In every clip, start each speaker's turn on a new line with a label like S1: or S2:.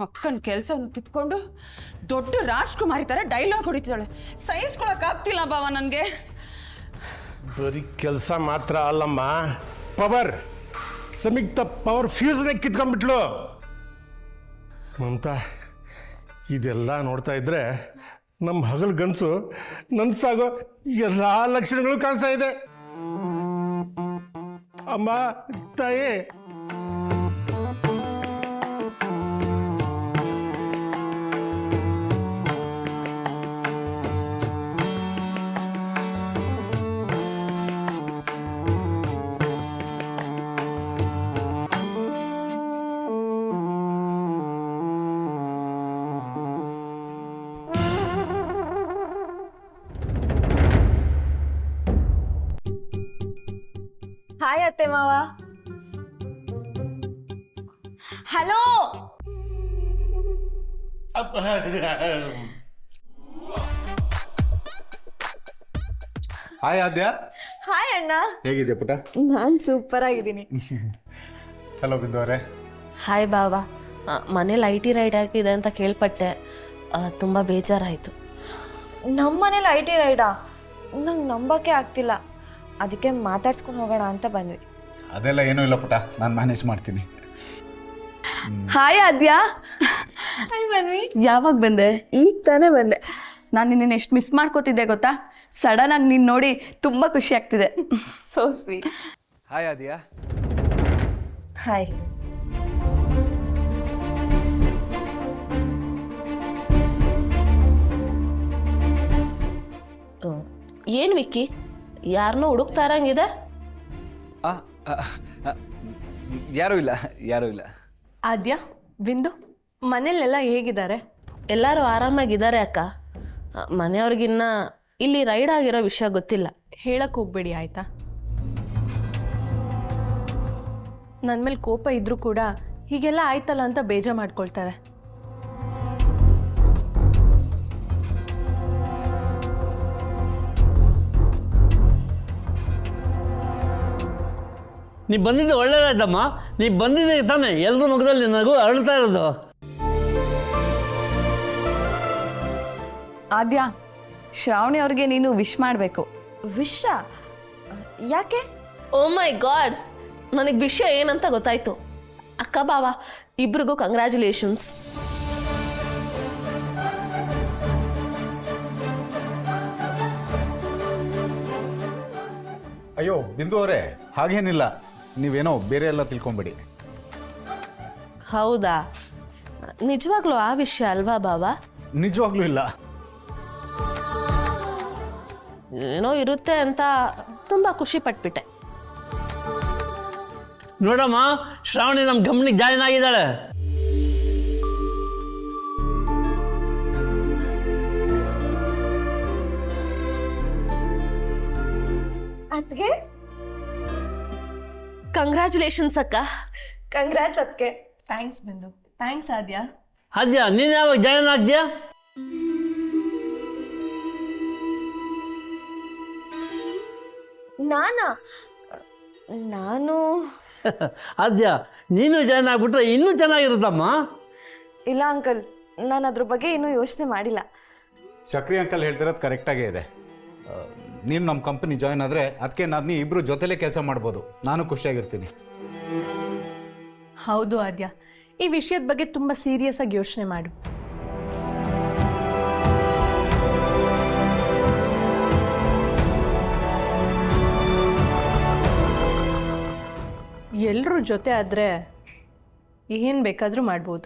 S1: ಅಕ್ಕನ ಕೆಲಸವನ್ನು ಕಿತ್ಕೊಂಡು ದೊಡ್ಡ ರಾಜ್ಕುಮಾರಿ ಥರ ಡೈಲಾಗ್ ಹೊಡಿತಾಳೆ. ಸಹಿಸ್ಕೊಳಕ್ಕಾಗ್ತಿಲ್ಲ ಬಾವ ನನಗೆ.
S2: ಬರೀ ಕೆಲಸ ಮಾತ್ರ ಅಲ್ಲಮ್ಮ, ಪವರ್ ಸಂಯುಕ್ತ ಪವರ್ ಫ್ಯೂಸ್ನೇ ಕಿತ್ಕೊಂಡ್ಬಿಟ್ಲು. ಮಮತಾ, ಇದೆಲ್ಲ ನೋಡ್ತಾ ಇದ್ರೆ ನಮ್ಮ ಹಗಲು ಗನಸು ನನ್ಸಾಗೋ ಎಲ್ಲ ಲಕ್ಷಣಗಳು ಕಾಣಿಸ್ತಾ ಇದೆ. ಅಮ್ಮ ತಾಯಿ,
S3: ಹಾಯ್ ಅತ್ತೆ ಮಾವ. ಹಲೋ.
S4: ಹಾಯ್ ಆದ್ಯ.
S3: ಹಾಯ್ ಅಣ್ಣ.
S4: ಹೇಗಿದೆ ಪುಟ?
S3: ನಾನು ಸೂಪರ್ ಆಗಿದ್ದೀನಿ.
S4: ಹಲೋ ಬಿಂದು ಅವರೇ.
S5: ಹಾಯ್ ಬಾಬಾ. ಮನೇಲಿ IT ರೈಡ್ ಆಗಿದೆ ಅಂತ ಕೇಳ್ಪಟ್ಟೆ, ತುಂಬ ಬೇಜಾರಾಯಿತು.
S3: ನಮ್ಮ ಮನೇಲಿ IT ರೈಡಾ? ನಂಗೆ ನಂಬಕ್ಕೆ ಆಗ್ತಿಲ್ಲ, ಅದಕ್ಕೆ ಮಾತಾಡ್ಸ್ಕೊಂಡು ಹೋಗೋಣ ಅಂತ ಬಂದ್ವಿ.
S4: ಅದೆಲ್ಲ ಏನೂ ಇಲ್ಲ ಪುಟ, ನಾನು ಮ್ಯಾನೇಜ್ ಮಾಡ್ತೀನಿ.
S3: ಹಾಯ್ ಆದ್ಯಾ. ಹಾಯ್ ಮನ್ವಿ. ಯಾವಾಗ ಬಂದೆ? ಈಗ ತಾನೇ ಬಂದೆ.
S6: ನಾನು ನಿನ್ನ ಎಷ್ಟು ಮಿಸ್ ಮಾಡ್ಕೋತಿದ್ದೆ ಗೊತ್ತಾ? ಸಡನ್ ಆಗಿ ನೀನು ನೋಡಿ ತುಂಬ ಖುಷಿ ಆಗ್ತಿದೆ.
S3: So sweet.
S7: Hi Aadya.
S3: Hi.
S5: ಏನು ವಿಕ್ಕಿ, ಯಾರನ್ನೋ ಹುಡುಕ್ತಾ ಇರಂಗಿದೆ?
S7: ಯಾರೂ ಇಲ್ಲ.
S8: ಆದ್ಯ, ಬಿಂದು, ಮನೇಲೆಲ್ಲ ಹೇಗಿದ್ದಾರೆ?
S5: ಎಲ್ಲರೂ ಆರಾಮಾಗಿದ್ದಾರೆ ಅಕ್ಕ. ಮನೆಯವ್ರಿಗಿನ್ನ ಇಲ್ಲಿ ರೈಡ್ ಆಗಿರೋ ವಿಷಯ ಗೊತ್ತಿಲ್ಲ.
S8: ಹೇಳಕ್ಕೆ ಹೋಗ್ಬೇಡಿ ಆಯ್ತಾ? ನನ್ನ ಮೇಲೆ ಕೋಪ ಇದ್ರೂ ಕೂಡ ಹೀಗೆಲ್ಲ ಆಯ್ತಲ್ಲ ಅಂತ ಬೇಜಾರು ಮಾಡ್ಕೊಳ್ತಾರೆ.
S9: ನೀ ಬಂದಿದ್ದು ಒಳ್ಳೇದಾಯ್ತಮ್ಮ. ನೀ ಬಂದಿದ್ದೆ ತಾನೆ ಎಲ್ಲರ ಮುಖದಲ್ಲಿ ನಗು ಅರಳ್ತಾ ಇರೋದು.
S6: ಆದ್ಯಾ, ಶ್ರಾವಣಿ ಅವ್ರಿಗೆ ನೀನು ವಿಶ್ ಮಾಡಬೇಕು.
S3: ವಿಷ ಯಾಕೆ?
S5: ಓ ಮೈ ಗಾಡ್, ನನಗೆ ವಿಷಯ ಏನಂತ ಗೊತ್ತಾಯ್ತು. ಅಕ್ಕ ಬಾವ ಇಬ್ರಿಗೂ ಕಂಗ್ರ್ಯಾಚುಲೇಷನ್ಸ್.
S4: ಅಯ್ಯೋ ಬಿಂದು ಅವರೇ, ಹಾಗೇನಿಲ್ಲ, ನೀವೇನೋ ಬೇರೆ ಎಲ್ಲ ತಿಳ್ಕೊಂಬೇಡಿ.
S5: ಹೌದಾ? ನಿಜವಾಗ್ಲೂ ಆ ವಿಷಯ ಅಲ್ವಾ ಬಾವ?
S4: ನಿಜವಾಗ್ಲೂ ಇಲ್ಲ.
S5: ಏನೋ ಇರುತ್ತೆ ಅಂತ ತುಂಬ ಖುಷಿ ಪಟ್ಬಿಟ್ಟೆ.
S9: ನೋಡಮ್ಮ, ಶ್ರಾವಣಿ ನಮ್ಮ ಕಂಪ್ನಿಗೆ ಜಾಯಿನ್ ಆಗಿದ್ದಾಳೆ.
S3: ಅದ್ಗೆ
S5: ಕಂಗ್ರ್ಯಾಚುಲೇಷನ್ಸ್ ಅಕ್ಕ.
S3: ಕಂಗ್ರಾಟ್ಸ್ ಅದ್ಕೆ.
S8: ಥ್ಯಾಂಕ್ಸ್ ಬಿಂದು. ಥ್ಯಾಂಕ್ಸ್ ಆದ್ಯ.
S9: ಆದ್ಯಾ, ನೀನು ಯಾವಾಗ ಜಾಯಿನ್ ಆಗ್ತೀಯಾ?
S3: ನಾನು
S9: ಆದ್ಯಾ, ನೀನು ಜಾಯಿನ್ ಆಗ್ಬಿಟ್ರೆ ಇನ್ನೂ ಚೆನ್ನಾಗಿರುತ್ತಮ್ಮ.
S3: ಇಲ್ಲ ಅಂಕಲ್, ನಾನು ಅದ್ರ ಬಗ್ಗೆ ಇನ್ನೂ ಯೋಚನೆ ಮಾಡಿಲ್ಲ.
S4: ಚಕ್ರಿ ಅಂಕಲ್ ಹೇಳ್ತಿರೋದು ಕರೆಕ್ಟಾಗೇ ಇದೆ. ನೀನು ನಮ್ಮ ಕಂಪನಿ ಜಾಯ್ನ್ ಆದರೆ ಅದಕ್ಕೆ ನಾನು ಇಬ್ಬರು ಜೊತೆಲೇ ಕೆಲಸ ಮಾಡ್ಬೋದು. ನಾನು ಖುಷಿಯಾಗಿರ್ತೀನಿ.
S8: ಹೌದು ಆದ್ಯ, ಈ ವಿಷಯದ ಬಗ್ಗೆ ತುಂಬ ಸೀರಿಯಸ್ ಆಗಿ ಯೋಚನೆ ಮಾಡು. ಎಲ್ಲರೂ ಜೊತೆ ಆದರೆ ಏನು ಬೇಕಾದರೂ ಮಾಡ್ಬೋದು.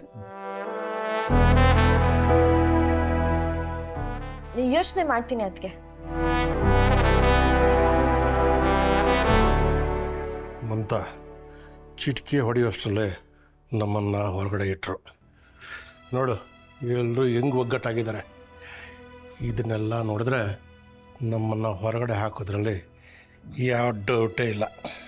S3: ಯೋಚನೆ ಮಾಡ್ತೀನಿ ಅದಕ್ಕೆ.
S2: ಮಮತಾ, ಚಿಟಿಕೆ ಹೊಡೆಯೋಷ್ಟರಲ್ಲೇ ನಮ್ಮನ್ನು ಹೊರಗಡೆ ಇಟ್ಟರು. ನೋಡು ಎಲ್ಲರೂ ಹೆಂಗೆ ಒಗ್ಗಟ್ಟಾಗಿದ್ದಾರೆ. ಇದನ್ನೆಲ್ಲ ನೋಡಿದ್ರೆ ನಮ್ಮನ್ನು ಹೊರಗಡೆ ಹಾಕೋದ್ರಲ್ಲಿ ಯಾವ ಡೌಟೇ ಇಲ್ಲ.